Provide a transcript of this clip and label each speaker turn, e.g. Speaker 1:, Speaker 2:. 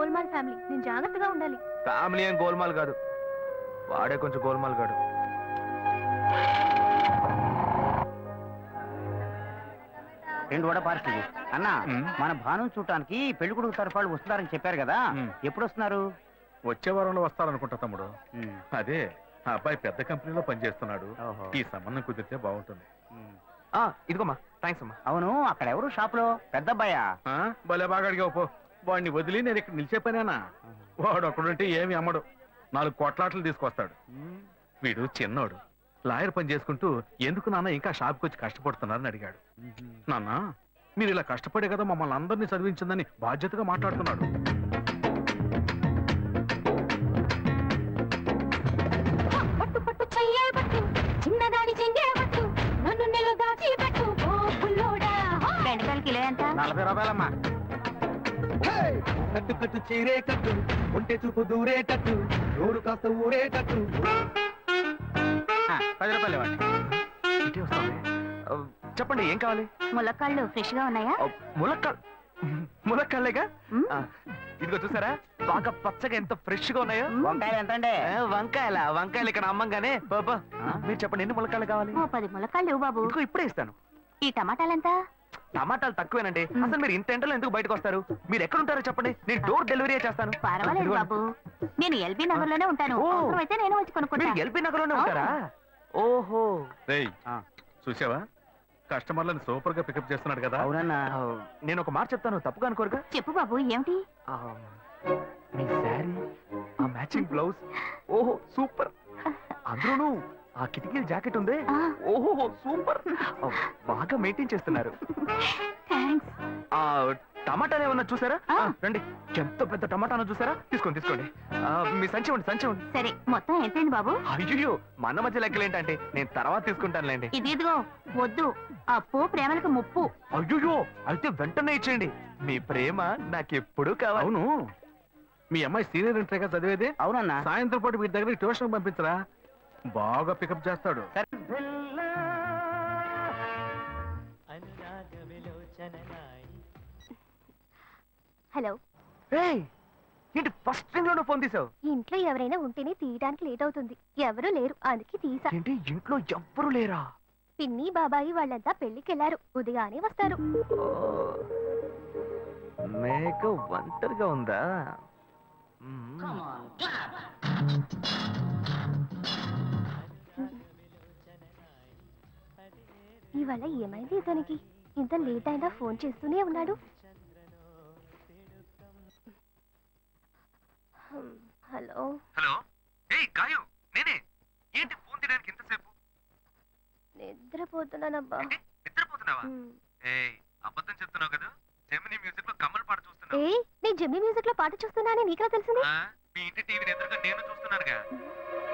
Speaker 1: Golmaal family, నేను జాగ్రత్తగా ఉండాలి.
Speaker 2: ఫ్యామిలీ ఏం గోల్మాల్ కాదు, వాడే కొంచెం గోల్మాల్ కాడు.
Speaker 3: రెండు వడ పార్సల్ అన్న. మన భాను చూడటానికి పెళ్లి కొడుకు తరఫాలు వస్తున్నారని చెప్పారు కదా, ఎప్పుడు వస్తున్నారు?
Speaker 4: వచ్చే వారంలో వస్తారనుకుంటా తమ్ముడు. అదే ఆ అబ్బాయి పెద్ద కంపెనీలో పనిచేస్తున్నాడు. ఈ సంబంధం కుదిరితే బాగుంటుంది.
Speaker 2: ఇదిగోమ్మా, థ్యాంక్స్ అమ్మా.
Speaker 3: అవును, అక్కడ ఎవరు షాప్ లో? పెద్ద అబ్బాయా?
Speaker 4: భలే బాగా అడిగావు పో. వాడిని వదిలి నేను ఇక్కడ నిలిచే పనేనా? వాడు ఒకడుంటే ఏమి అమ్మడు, 4 కోట్లాట్లు తీసుకొస్తాడు. వీడు చిన్నోడు, లాయర్ పని చేసుకుంటూ ఎందుకు నాన్న ఇంకా షాప్కి వచ్చి కష్టపడుతున్నారని అడిగాడు. నాన్న, మీరు ఇలా కష్టపడే కదా మమ్మల్ని అందరినీ చదివించిందని బాధ్యతగా మాట్లాడుతున్నాడు.
Speaker 3: రూపాయలమ్మా.
Speaker 5: కట్టు కట్టు చీరే కట్టు, ఒంటె చూపు దూరేటట్టు, నోరు కాస్త ఊరేటట్టు.
Speaker 3: 10 రూపాయలు ఇవ్వండి.
Speaker 2: చెప్పండి, ఏం కావాలి?
Speaker 1: ములక్కాళ్ళు ఫ్రెష్ గా ఉన్నాయా?
Speaker 2: ములక్కాళ్ళేగా. ఇదిగో చూసారా, బాగా పచ్చగా ఎంత ఫ్రెష్ గా ఉన్నాయో.
Speaker 3: వంకాయలు ఎంత అండి?
Speaker 2: వంకాయలు ఇక్కడ అమ్మంగానే. బాబా, మీరు చెప్పండి, ఎన్ని ములక్కాళ్ళు కావాలి?
Speaker 1: 10 ములక్కాళ్ళు ఇవ్వు బాబు.
Speaker 2: ఇదిగో ఇప్పుడే ఇస్తాను.
Speaker 1: ఈ టమాటాలు ఎంత?
Speaker 2: టమాటాలు తక్కువేనండి. అసలు మీరు ఇంత ఎండలో ఎందుకు బయటకు వస్తారు? మీరు ఎక్కడ ఉంటారో చెప్పండి, నేను డోర్ డెలివరీ చేస్తాను.
Speaker 1: పర్వాలేదు బాబు, నేను ఎల్బీ నగర్ లోనే ఉంటాను. అయితే నేను వచ్చి కొనుక్కుంటా.
Speaker 2: ఎల్బీ నగర్ లోనే ఉంటారా? ఓహో.
Speaker 4: చూసావా, కస్టమర్లను సూపర్ గా పికప్ చేస్తున్నాడు కదా.
Speaker 3: అవునన్నా.
Speaker 2: నేను ఒక మాట చెప్తాను, తప్పుగా అనుకోరుగా?
Speaker 1: చెప్పు బాబు, ఏమిటి?
Speaker 2: మీ శారీ, ఆ మ్యాచింగ్ బ్లౌజ్, ఓహో సూపర్. అందులోనూ ఆ కిటికీ జాకెట్ ఉంది, ఓహో సూపర్. బాగా మెయింటైన్ చేస్తున్నారు. టమాటాలు ఏమన్నా చూసారా? రండి, ఎంత పెద్ద టమాటానో చూసారా? తీసుకోండి తీసుకోండి. మీ సంచి ఉండి సంచి ఉండి.
Speaker 1: సరే, మొత్తం ఎంతైంది బాబు?
Speaker 2: అయ్యో, మన మధ్య లెక్కలు ఏంటంటే నేను తర్వాత తీసుకుంటానులేండి.
Speaker 1: ఇదిగో వద్దు, అప్పు ప్రేమలకు ముప్పు.
Speaker 2: అయ్యో, అయితే వెంటనే ఇచ్చేయండి. మీ ప్రేమ నాకెప్పుడు కావాలి.
Speaker 4: అవును, మీ అమ్మాయి సీనియర్ ఇంటర్గా చదివేది?
Speaker 3: అవునన్నా.
Speaker 4: సాయంత్రం పాటు వీటి దగ్గర ట్యూషన్ పంపించరా, బాగా పికప్ చేస్తాడు.
Speaker 1: హలో.
Speaker 2: ఏంటి ఫస్ట్ థింగ్ లోనే ఫోన్ తీసావు?
Speaker 1: ఇంట్లో ఎవరైనా ఉంటేనే తీయడానికి లేట్ అవుతుంది. ఎవరూ లేరు, అందుకే తీసా.
Speaker 2: ఏంటి ఇంట్లో ఎవ్వరు లేరా?
Speaker 1: పిన్ని బాబాయి వాళ్ళంతా పెళ్లికెళ్లారు, ఉదయానే వస్తారు.
Speaker 2: మేక ఒంటరిగా ఉందా?
Speaker 1: ఇవాళ ఏమైంది ఇతనికి? ఇంత లేట్ అయినా ఫోన్ చేస్తూనే ఉన్నాడు. హలో.
Speaker 2: హలో. ఏయ్ గాయు, నేనే. ఏంటి ఫోన్ తీయడానికి ఇంతసేపు?
Speaker 1: నిద్రపోతున్నానబ్బా.
Speaker 2: నిద్రపోతున్నావా? ఏయ్, అబద్ధం చెప్తున్నావు కదా. జెమినీ మ్యూజిక్ లో కమల్ పాట చూస్తున్నావు.
Speaker 1: ఏయ్, నేను జెమినీ మ్యూజిక్ లో పాట చూస్తున్నానని నీకా తెలిసింది?
Speaker 2: మీ ఇంటి టీవీని ఎదురుగా నేను చూస్తున్నానుగా.